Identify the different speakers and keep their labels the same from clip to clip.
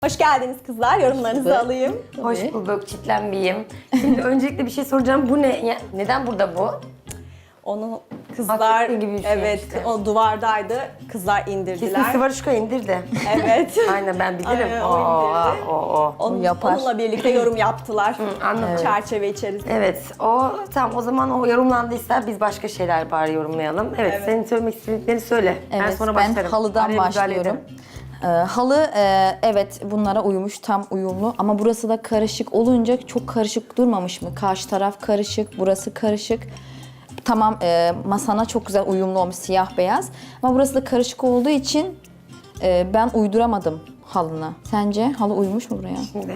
Speaker 1: Hoş geldiniz kızlar. Yorumlarınızı alayım.
Speaker 2: Hoş bulduk, çitlenmeyeyim. Şimdi öncelikle bir şey soracağım. Bu ne? Neden burada bu?
Speaker 1: Onu kızlar,
Speaker 2: Hakikaten gibi bir şey
Speaker 1: evet,
Speaker 2: işte.
Speaker 1: o duvardaydı. Kızlar indirdiler.
Speaker 2: Kesin Sıvaruşka indirdi.
Speaker 1: Evet.
Speaker 2: Aynen ben bilirim.
Speaker 1: Aynen, o indirdi.
Speaker 2: O.
Speaker 3: Yapar.
Speaker 1: Onunla birlikte yorum yaptılar.
Speaker 2: Anladım.
Speaker 1: Çerçeve içerisinde.
Speaker 2: Evet, tamam o zaman o yorumlandıysa biz başka şeyler bari yorumlayalım. Evet, senin söylemek istediklerini söyle.
Speaker 3: Evet,
Speaker 2: ben sonra
Speaker 3: ben
Speaker 2: başlarım.
Speaker 3: halıdan
Speaker 2: Araya müdahale
Speaker 3: başlıyorum.
Speaker 2: ederim.
Speaker 3: Halı evet bunlara uymuş, tam uyumlu ama burası da karışık olunca çok karışık durmamış mı? Karşı taraf karışık, burası karışık. Tamam masana çok güzel uyumlu olmuş siyah beyaz ama burası da karışık olduğu için ben uyduramadım halına. Sence halı uymuş mu buraya?
Speaker 2: Şimdi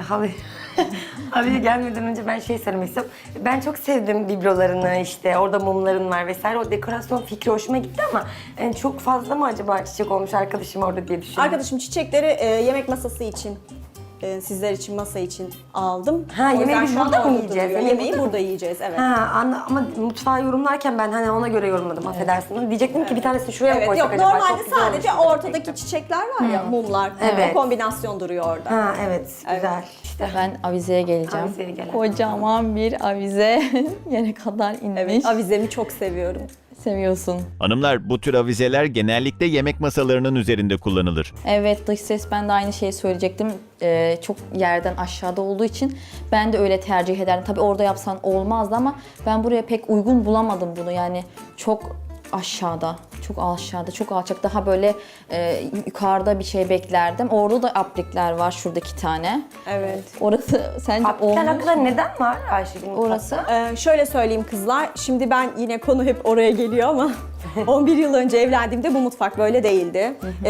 Speaker 2: halıya gelmeden önce ben şey söylemek istiyorum. Ben çok sevdim biblolarını, işte orada mumların var vesaire. O dekorasyon fikri hoşuma gitti ama yani çok fazla mı acaba çiçek olmuş arkadaşım orada diye düşünüyorum.
Speaker 1: Arkadaşım çiçekleri yemek masası için, sizler için masa için aldım.
Speaker 2: Ha,
Speaker 1: O
Speaker 2: yemeği
Speaker 1: yüzden
Speaker 2: biz
Speaker 1: şu an
Speaker 2: burada mı
Speaker 1: orada
Speaker 2: yiyeceğiz?
Speaker 1: duruyor.
Speaker 2: Yemeği
Speaker 1: Yemeği burada yiyeceğiz, evet.
Speaker 2: Ama mutfağı yorumlarken ben hani ona göre yorumladım, affedersin. Diyecektim ki bir tanesini şuraya mı
Speaker 1: Evet,
Speaker 2: koysak
Speaker 1: yok
Speaker 2: acaba?
Speaker 1: normalde
Speaker 2: Çok güzel
Speaker 1: sadece
Speaker 2: olmuş
Speaker 1: ortadaki
Speaker 2: gerçekten.
Speaker 1: çiçekler var ya, mumlar.
Speaker 2: Evet.
Speaker 1: O kombinasyon duruyor orada.
Speaker 2: Ha evet, güzel. İşte.
Speaker 3: Ben avizeye geleceğim.
Speaker 2: Avizeye gel.
Speaker 3: Kocaman bir avize yere kadar inmiş.
Speaker 1: Evet, avizemi çok seviyorum.
Speaker 3: Seviyorsun.
Speaker 4: Hanımlar, bu tür avizeler genellikle yemek masalarının üzerinde kullanılır.
Speaker 3: Evet, dış ses, ben de aynı şeyi söyleyecektim. Çok yerden aşağıda olduğu için ben de öyle tercih ederdim. Tabii orada yapsan olmazdı ama ben buraya pek uygun bulamadım bunu. Yani çok aşağıda, çok aşağıda, çok alçak. Daha böyle yukarıda bir şey beklerdim. Orada da aplikler var, şurada 2 tane.
Speaker 1: Evet.
Speaker 3: Orası sence
Speaker 2: Aplikler
Speaker 3: olmuş
Speaker 2: hakkında
Speaker 3: mu?
Speaker 2: neden var Ayşegül
Speaker 3: Orası?
Speaker 2: mutfakta?
Speaker 1: Şöyle söyleyeyim kızlar, şimdi ben yine konu hep oraya geliyor ama 11 yıl önce evlendiğimde bu mutfak böyle değildi.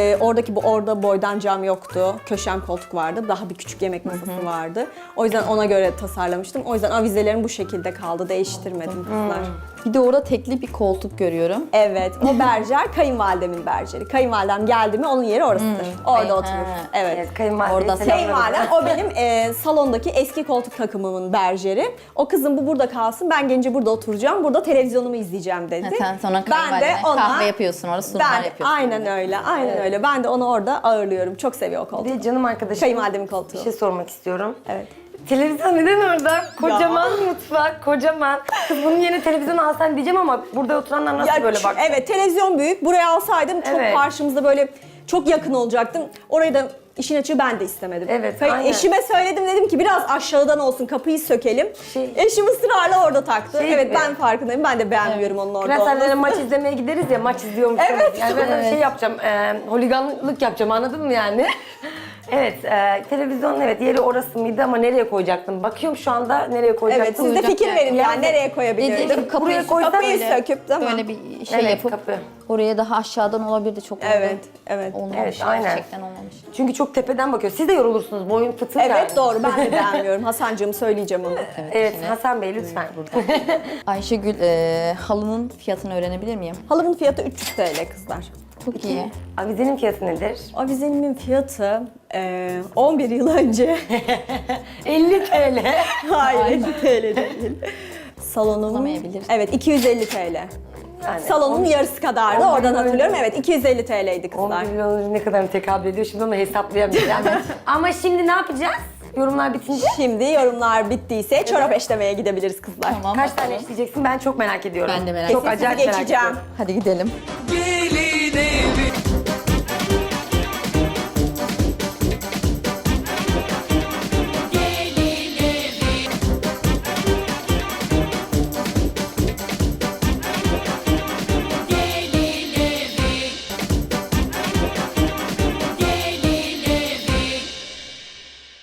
Speaker 1: Orada boydan cam yoktu, köşem koltuk vardı, daha bir küçük yemek masası vardı. O yüzden ona göre tasarlamıştım. O yüzden avizelerim bu şekilde kaldı, değiştirmedim kızlar.
Speaker 3: Bir de orada tekli bir koltuk görüyorum.
Speaker 1: Evet, o berjer kayınvalidemin berjeri. Kayınvalidem geldi mi onun yeri orasıdır. Orada oturur.
Speaker 3: Ha.
Speaker 1: Evet.
Speaker 2: Evet, kayınvalideyi
Speaker 3: Orada
Speaker 2: selamlarım.
Speaker 1: Kayınvalidem o benim salondaki eski koltuk takımımın berjeri. O kızım bu burada kalsın, ben gelince burada oturacağım, burada televizyonumu izleyeceğim dedi.
Speaker 3: Sen sonra
Speaker 1: Ben de
Speaker 3: kayınvalidene
Speaker 1: ona
Speaker 3: kahve yapıyorsun, orada sunumlar yapıyorsun.
Speaker 1: Aynen öyle, aynen öyle. Ben de onu orada ağırlıyorum. Çok seviyor o koltuğu.
Speaker 2: Bir de canım arkadaşım.
Speaker 1: Kayınvalidemin koltuğu.
Speaker 2: Bir şey sormak istiyorum.
Speaker 1: Evet.
Speaker 2: Televizyon neden orada? Kocaman mutfak, kocaman. Kız bunun yerine televizyon alsan diyeceğim ama burada oturanlar nasıl böyle bak?
Speaker 1: Evet, televizyon büyük. Buraya alsaydım çok
Speaker 2: Evet.
Speaker 1: karşımızda böyle çok yakın olacaktım. Orayı da işin açığı ben de istemedim.
Speaker 2: Evet, aynen.
Speaker 1: Eşime söyledim, dedim ki biraz aşağıdan olsun, kapıyı sökelim. Eşim ısrarla orada taktı.
Speaker 2: Şey
Speaker 1: Evet,
Speaker 2: gibi.
Speaker 1: ben farkındayım. Ben de beğenmiyorum onun orada
Speaker 2: Prensellerle
Speaker 1: olmasını.
Speaker 2: maç izlemeye gideriz ya, maç izliyormuşum.
Speaker 1: Evet.
Speaker 2: Yani ben şey yapacağım, holiganlık yapacağım, anladın mı yani? Evet, televizyon evet yeri orası mıydı ama nereye koyacaktım? Bakıyorum şu anda nereye koyacaktım.
Speaker 1: Evet, siz de fikir verin yani nereye koyabilirdim.
Speaker 3: Dediğim
Speaker 2: Buraya koysan
Speaker 1: Kapıyı
Speaker 2: öyle.
Speaker 1: söküp değil mi?
Speaker 3: Böyle bir şey
Speaker 2: Evet,
Speaker 3: yapıp
Speaker 2: kapı.
Speaker 3: oraya daha aşağıdan olabilirdi, çok
Speaker 1: Evet, evet.
Speaker 3: olmamış.
Speaker 2: Evet, aynen.
Speaker 3: Gerçekten olmamış.
Speaker 2: Çünkü çok tepeden bakıyor. Siz de yorulursunuz, boyun fıtır yani.
Speaker 1: Evet, doğru. Ben de beğenmiyorum. Hasancığım, söyleyeceğim onu.
Speaker 2: Evet, Hasan Bey lütfen.
Speaker 3: Ayşegül, halının fiyatını öğrenebilir miyim?
Speaker 1: Halımın fiyatı 300 TL kızlar.
Speaker 3: Çok iyi.
Speaker 2: Avizenin fiyatı nedir?
Speaker 1: Avizenimin fiyatı 11 yıl önce
Speaker 2: 50 TL.
Speaker 1: hayır 50 TL değil. Salonum
Speaker 3: Olamayabilir.
Speaker 1: evet 250 TL.
Speaker 2: Yani
Speaker 1: Salonun yarısı kadardı.
Speaker 2: 11
Speaker 1: Oradan
Speaker 2: yıl
Speaker 1: hatırlıyorum.
Speaker 2: önce.
Speaker 1: Evet 250 TL'ydi kızlar.
Speaker 2: 11 milyon önce ne kadar tekabül ediyor şimdi onu hesaplayamayacağım. Ama şimdi ne yapacağız? Yorumlar bitince
Speaker 1: Şimdi yorumlar bittiyse çorap eşlemeye gidebiliriz kızlar.
Speaker 3: Tamam.
Speaker 2: kaç tane işleyeceksin ben çok merak ediyorum.
Speaker 3: Ben de merak
Speaker 2: Çok
Speaker 3: ediyorum.
Speaker 2: acayip
Speaker 1: Sizi
Speaker 2: merak
Speaker 1: geçeceğim.
Speaker 2: ediyorum.
Speaker 3: Hadi gidelim.
Speaker 5: Gelin